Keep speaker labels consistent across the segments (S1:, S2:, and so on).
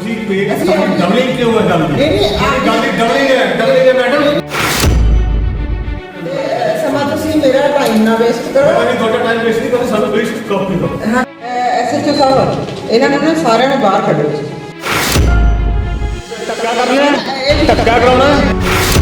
S1: Doubling क्यों है? Doubling है मैडम।
S2: ਸਮਾਂ ਤੁਸੀਂ ਮੇਰਾ ਟਾਈਮ ਨਾ ਵੇਸਟ ਕਰੋ।
S1: मैं थोड़ा टाइम वेस्ट नहीं करता, सानू वेस्ट कॉपी दो।
S2: ਹਾਂ ਐਸਐਚਓ ਸਾਹਿਬ ਇਹਨਾਂ ਨੂੰ ਨਾ ਸਾਰਿਆਂ ਨੂੰ ਬਾਹਰ ਕੱਢੋ।
S1: ਧੱਕਾ ਕਰਨਾ ਹੈ, ਧੱਕਾ ਕਰਾਉਣਾ ਹੈ।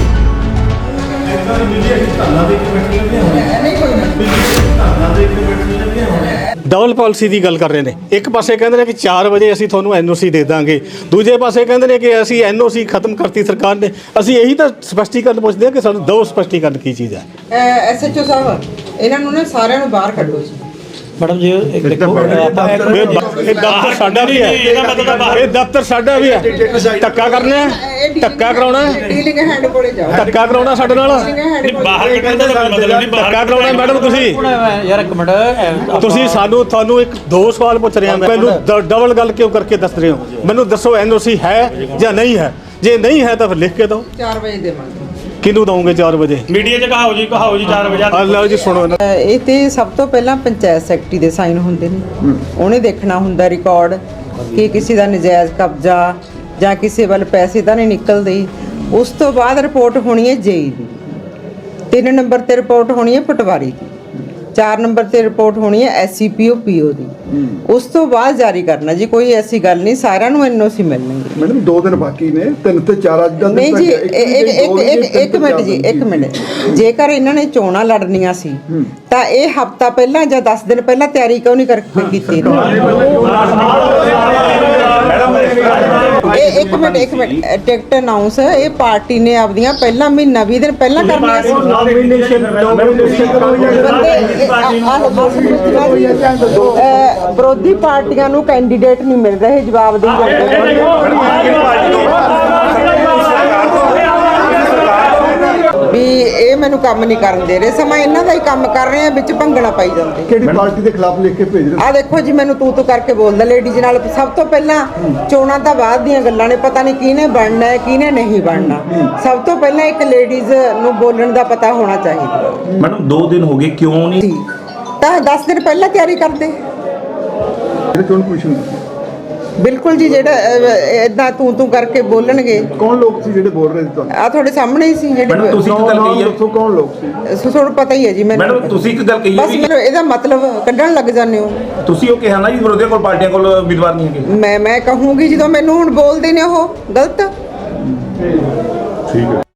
S1: ਇਦਾਂ ਮੀਡੀਆ ਧਰਨਾ ਦੇ ਕੇ ਬੈਠੇ ਨੇ ਹੁਣ।
S2: ਨਹੀਂ ਕੋਈ ਨਾ
S1: ਧਰਨਾ ਦੇ ਕੇ ਬੈਠੇ ਨੇ ਹੁਣ।
S3: ਡਬਲ ਪਾਲਿਸੀ ਦੀ ਗੱਲ ਕਰ ਰਹੇ ਨੇ। ਇੱਕ ਪਾਸੇ ਕਹਿੰਦੇ ਨੇ ਕਿ 4 ਵਜੇ ਅਸੀਂ ਤੁਹਾਨੂੰ ਐਨਓਸੀ ਦੇ ਦਾਂਗੇ, ਦੂਜੇ ਪਾਸੇ ਕਹਿੰਦੇ ਨੇ ਕਿ ਅਸੀਂ ਐਨਓਸੀ ਖਤਮ ਕਰਤੀ ਸਰਕਾਰ ਨੇ। ਅਸੀਂ ਇਹੀ ਤਾਂ ਸਪਸ਼ਟੀਕਰਨ ਪੁੱਛਦੇ ਹਾਂ ਕਿ ਸਾਨੂੰ ਦੋ ਸਪਸ਼ਟੀਕਰਨ ਕੀ ਚੀਜ਼ ਹੈ।
S2: ਐਸਐਚਓ ਸਾਹਿਬ ਇਹਨਾਂ ਨੂੰ ਨਾ ਸਾਰਿਆਂ ਨੂੰ ਬਾਹਰ ਕੱਢੋ ਜੀ।
S4: मैडम जी एक देखो
S3: ਇਹ ਦਫ਼ਤਰ ਸਾਡਾ ਵੀ ਹੈ, ਇਹ ਦਫ਼ਤਰ ਸਾਡਾ ਵੀ ਹੈ। ਧੱਕਾ ਕਰਨਾ ਹੈ, ਧੱਕਾ ਕਰਾਉਣਾ ਹੈ,
S2: ਡੀਲਿੰਗ ਹੈਂਡ ਕੋਲੇ ਜਾਓ।
S3: ਧੱਕਾ ਕਰਾਉਣਾ ਸਾਡੇ ਨਾਲ,
S4: बाहर कटने का मतलब नहीं बाहर
S3: ਧੱਕਾ ਕਰਾਉਣਾ ਮੈਡਮ। ਤੁਸੀਂ
S4: यार एक मिनट
S3: ਤੁਸੀਂ ਤੁਹਾਨੂੰ ਇੱਕ ਦੋ ਸਵਾਲ ਪੁੱਛ ਰਿਹਾ ਮੈਂ। ਮੈਨੂੰ ਡਬਲ ਗੱਲ ਕਿਉਂ ਕਰਕੇ ਦੱਸ ਰਹੇ ਹੋ? ਮੈਨੂੰ ਦੱਸੋ ਐਨਓਸੀ ਹੈ ਜਾਂ ਨਹੀਂ ਹੈ? ਜੇ ਨਹੀਂ ਹੈ ਤਾਂ ਫਿਰ ਲਿਖ ਕੇ ਦਿਓ।
S2: 4 ਵਜੇ ਦੇਵਾਂਗੇ।
S3: ਕਿਹਨੂੰ ਦਵੋਗੇ 4 ਵਜੇ?
S4: मीडिया च कहाओ जी 4 बजे
S3: ਆ ਲਓ ਜੀ ਸੁਣੋ ਨਾ।
S2: ਇਹ ਤੇ ਸਭ ਤੋਂ ਪਹਿਲਾਂ ਪੰਚਾਇਤ ਸੈਕਟਰੀ ਦੇ ਸਾਈਨ ਹੁੰਦੇ ਨੇ। ਉਹਨੇ ਦੇਖਣਾ ਹੁੰਦਾ ਰਿਕਾਰਡ ਕਿ ਕਿਸੇ ਦਾ ਨਜਾਇਜ਼ ਕਬਜ਼ਾ ਜਾਂ ਕਿਸੇ ਵੱਲ ਪੈਸੇ ਤਾਂ ਨਹੀਂ ਨਿਕਲਦੇ। ਉਸ ਤੋਂ ਬਾਅਦ ਰਿਪੋਰਟ ਹੋਣੀ ਹੈ ਜੇਈ ਦੀ, 3 ਨੰਬਰ ਤੇ ਰਿਪੋਰਟ ਹੋਣੀ ਹੈ ਪਟਵਾਰੀ ਦੀ, 4 ਨੰਬਰ ਤੇ ਰਿਪੋਰਟ ਹੋਣੀ ਹੈ ਐਸਸੀਪੀਓ ਪੀਓ ਦੀ। ਉਸ ਤੋਂ ਬਾਅਦ ਜਾਰੀ ਕਰਨਾ ਜੀ। ਕੋਈ ਐਸੀ ਗੱਲ ਨਹੀਂ, ਸਾਰਿਆਂ ਨੂੰ ਐਨਓਸੀ ਮਿਲਣਗੇ।
S5: ਮੈਡਮ 2 ਦਿਨ ਬਾਕੀ ਨੇ, 3 ਤੇ 4 ਅੱਜ ਦਾ
S2: ਨਹੀਂ ਜੀ ਇੱਕ ਮਿੰਟ ਜੀ, ਇੱਕ ਮਿੰਟ। ਜੇਕਰ ਇਹਨਾਂ ਨੇ ਚੋਣਾਂ ਲੜਨੀਆਂ ਸੀ ਤਾਂ ਇਹ ਹਫਤਾ ਪਹਿਲਾਂ ਜਾਂ 10 ਦਿਨ ਪਹਿਲਾਂ ਤਿਆਰੀ ਕਿਉਂ ਨਹੀਂ ਕੀਤੀ? ਇਹ ਇੱਕ ਮਿੰਟ ਟਿਕਟ ਅਨਾਉਂਸ ਇਹ ਪਾਰਟੀ ਨੇ ਆਪਦੀਆਂ ਪਹਿਲਾਂ ਮਹੀਨਾ 20 ਦਿਨ ਪਹਿਲਾਂ ਕਰਨੀਆਂ ਸੀ। ਵਿਰੋਧੀ ਪਾਰਟੀਆਂ ਨੂੰ ਕੈਂਡੀਡੇਟ ਨਹੀਂ ਮਿਲ ਰਹੇ ਜਵਾਬ ਦੇ। ਵੀ ਇਹ ਮੈਨੂੰ ਕੰਮ ਨਹੀਂ ਕਰਨ ਦੇ ਰਹੇ, ਸਮਾਂ ਇਹਨਾਂ ਦਾ ਹੀ ਕੰਮ ਕਰ ਰਹੇ ਆ, ਵਿੱਚ ਭੰਗਣਾ ਪਾਈ ਜਾਂਦੇ।
S5: ਕਿਹੜੀ ਪਾਰਟੀ ਦੇ ਖਿਲਾਫ ਲਿਖ ਕੇ ਭੇਜ ਰਹੇ?
S2: ਆ ਦੇਖੋ ਜੀ, ਮੈਨੂੰ ਤੂੰ ਕਰਕੇ ਬੋਲਦਾ ਲੇਡੀਜ਼ ਨਾਲ। ਸਭ ਤੋਂ ਪਹਿਲਾਂ ਚੋਣਾਂ ਤਾਂ ਬਾਅਦ ਦੀਆਂ ਗੱਲਾਂ ਨੇ, ਪਤਾ ਨਹੀਂ ਕਿਹਨੇ ਬਣਨਾ ਹੈ ਕਿਹਨੇ ਨਹੀਂ ਬਣਨਾ। ਸਭ ਤੋਂ ਪਹਿਲਾਂ ਇੱਕ ਲੇਡੀਜ਼ ਨੂੰ ਬੋਲਣ ਦਾ ਪਤਾ ਹੋਣਾ ਚਾਹੀਦਾ।
S6: ਮੈਡਮ 2 ਦਿਨ ਹੋ ਗਏ, ਕਿਉਂ ਨਹੀਂ?
S2: ਤਾਂ 10 ਦਿਨ ਪਹਿਲਾਂ ਤਿਆਰੀ ਕਰਦੇ।
S5: ਜਿਹੜੇ ਚੋਣ ਕਮਿਸ਼ਨ
S2: ਬਿਲਕੁਲ ਜੀ, ਜਿਹੜਾ ਇਦਾਂ ਤੂੰ ਕਰਕੇ ਬੋਲਣਗੇ।
S5: ਕੌਣ ਲੋਕ ਸੀ ਜਿਹੜੇ ਬੋਲ ਰਹੇ ਸੀ ਤੁਹਾਨੂੰ?
S2: ਆ ਤੁਹਾਡੇ ਸਾਹਮਣੇ ਹੀ ਸੀ
S6: ਮੈਡਮ
S2: ਜਿਹੜੇ।
S6: ਤੁਸੀਂ ਇੱਕ ਗੱਲ ਕਹੀ ਹੈ।
S5: ਦੱਸੋ ਕੌਣ ਲੋਕ ਸੀ?
S2: ਤੁਹਾਨੂੰ ਪਤਾ ਹੀ ਹੈ ਜੀ ਮੈਨੂੰ।
S6: ਮੈਡਮ ਤੁਸੀਂ ਇੱਕ ਗੱਲ ਕਹੀ ਹੈ
S2: ਬਸ ਮੈਨੂੰ ਇਹਦਾ ਮਤਲਬ ਕੱਢਣ ਲੱਗ ਜਾਂਦੇ ਹੋ।
S6: ਤੁਸੀਂ ਉਹ ਕਿਹਾ ਨਾ ਜੀ ਵਿਰੋਧੀਆਂ ਕੋਲ ਪਾਰਟੀਆਂ ਕੋਲ ਉਮੀਦਵਾਰ ਨਹੀਂ ਹੈਗੇ।
S2: ਮੈਂ ਕਹੂੰਗੀ ਜਦੋਂ ਮੈਨੂੰ ਹੁਣ ਬੋਲਦੇ ਨੇ ਉਹ ਗਲਤ।
S5: ਠੀਕ ਹੈ।